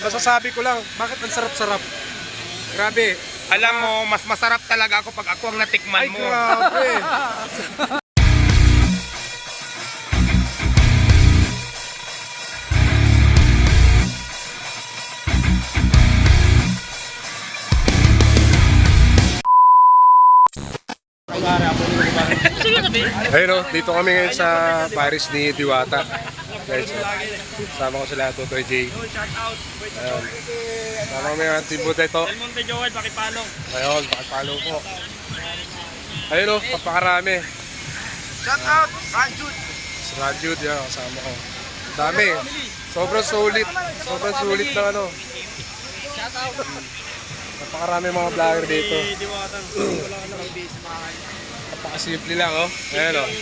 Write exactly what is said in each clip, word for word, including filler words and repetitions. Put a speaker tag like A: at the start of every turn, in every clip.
A: masasabi ko lang, bakit ang sarap-sarap? Grabe.
B: Alam mo, mas masarap talaga ako pag ako ang natikman
A: Ay,
B: mo.
A: grabe. Ayun o, dito kami ngayon sa Paris ni Diwata. Guys, sama ko sila, Totoy J. Ayun. Sama kami ang Team Buteto.
C: Del Monte Joel, pakipalo.
A: Ayun, pakipalo po. Ayun o, papakarami.
B: Shout out, Ranjud.
A: Si Rajud, yan, kasama ko. Dami. Sobrang sulit. Sobrang sulit na ano.
C: Shout out.
A: Napakarami mga vlogger dito.
C: Diwatan. Wala ka naman base mahal.
A: Napakasimple lang, oh. Ayan, oh.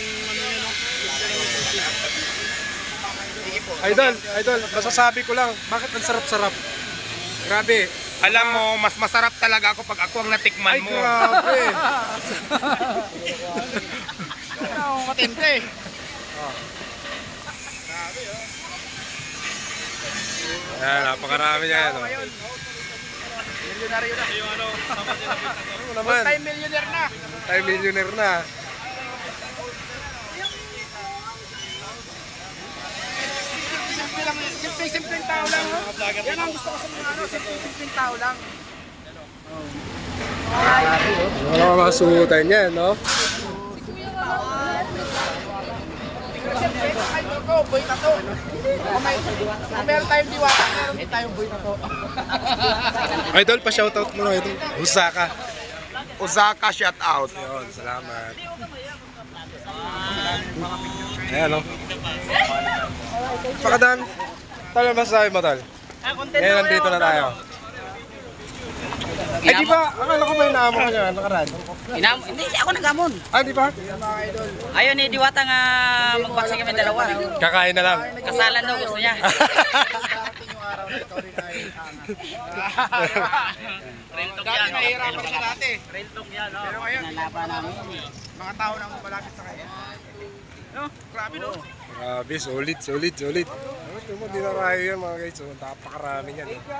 A: Idol, idol, masasabi ko lang, bakit ang sarap-sarap? Grabe.
B: Alam mo, mas masarap talaga ako pag ako ang natikman
A: Ay,
B: mo.
A: grabe.
C: Ano, matindi.
A: Ayan, napakarami niya, ano.
C: Milyonaryo na. Yung ano, sama sila.
A: Ano naman?
C: Time millionaire na.
A: Tayo millionaire na.
C: Simple lang, simple, simpleng tao lang. Oh. Yan ang gusto ko sa mga ano, simple, simpleng tao lang.
A: Wala ka masuhutan yan, no?
C: Siyempre, kahit ako, boy na to. Kung may, kung meron tayong diwata, meron din tayong boy na to.
A: Idol, pa-shoutout mo na ito. Osaka.
B: Osaka, shout out.
A: Yun, salamat. Ayan, no? Pakadami. Tal, masasabi mo, Tal? Ngayon, nandito na tayo. Ay, di ba? Akala ko may naamo ka niya, nakaraan.
D: Inam, hindi siya ako naghamon.
A: Ah, di ba?
D: Ayaw ni Diwata nga magbaksing kami dalawa.
A: Kakain na lang.
D: Kasalan daw gusto niya.
C: Darating yung araw na ikaw rin ay angat.
D: Real talk
C: Dati
D: yan.
C: nahihirapan siya dati.
D: Real talk yan. no?
C: Pero ngayon,
D: Nalaban namin.
C: mga tao nang malapit sa kanya. No? Grabe no?
A: Grabe, solid, solid, solid. Ito mo, di na rayo yan mga guys. So, napakarami yan. Eh.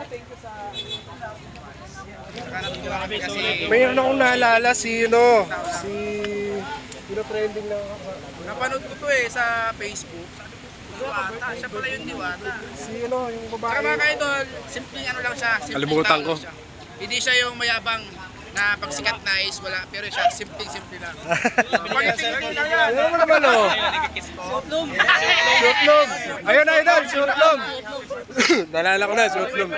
C: Grabe kasi
A: Mayroon akong naalala si, ano, si... Sino trending na ako?
C: napanood ko to eh sa Facebook. Diwata, siya pala yung diwata.
A: Si, ano, yung
C: Saka mga
A: babae.
C: ka-idol, simpleng ano lang siya. simpleng
A: Kalimutan
C: tao
A: ko.
C: lang siya. Hindi siya yung mayabang na pagsikat na is wala, pero siya simpleng-simple lang. Pag-itingin lang yan.
A: Ano mo naman, oh? Shootlom. Ayun na, idol, shootlom. Nalala ko na, shootlom.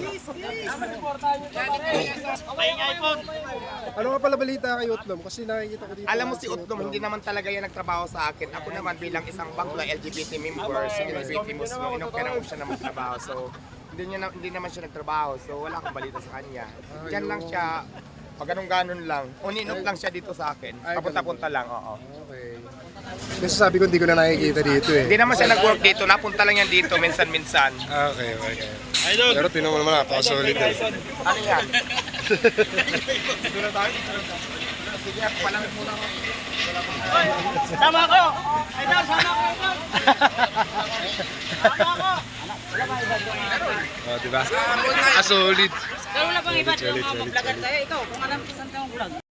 A: Ano nga pala balita kay Utlom? Kasi nakikita ko dito.
B: Alam mo si Utlom, hindi naman talaga yan nagtrabaho sa akin. Ako naman bilang isang bakla L G B T member, si L G B T Muslim, inokera ko siya na magtrabaho. So, hindi, niya na, hindi naman siya nagtrabaho. So, wala akong balita sa kanya. Diyan lang siya, pag ganun-ganon lang. Uninok lang siya dito sa akin. Papunta-punta lang, oo.
A: Okay. Kasi sabi ko hindi ko na nakikita dito eh.
B: Hindi naman siya nag-work dito. Napunta lang yan dito, minsan-minsan.
A: Ah, okay, okay. Pero tinan mo naman, napaka-solid eh.
B: Ano yan? Dito na tayo. Sige, ako palang muna ako.
D: Tama ko! Idol, sana ko! Tama ko!
A: Oh, diba? Ah, solid.
D: Pero wala pang iba.
A: Solid, solid,
D: Mag-vlogger
A: solid.
D: tayo. Ikaw, kung alam ko saan ka mag-vlog.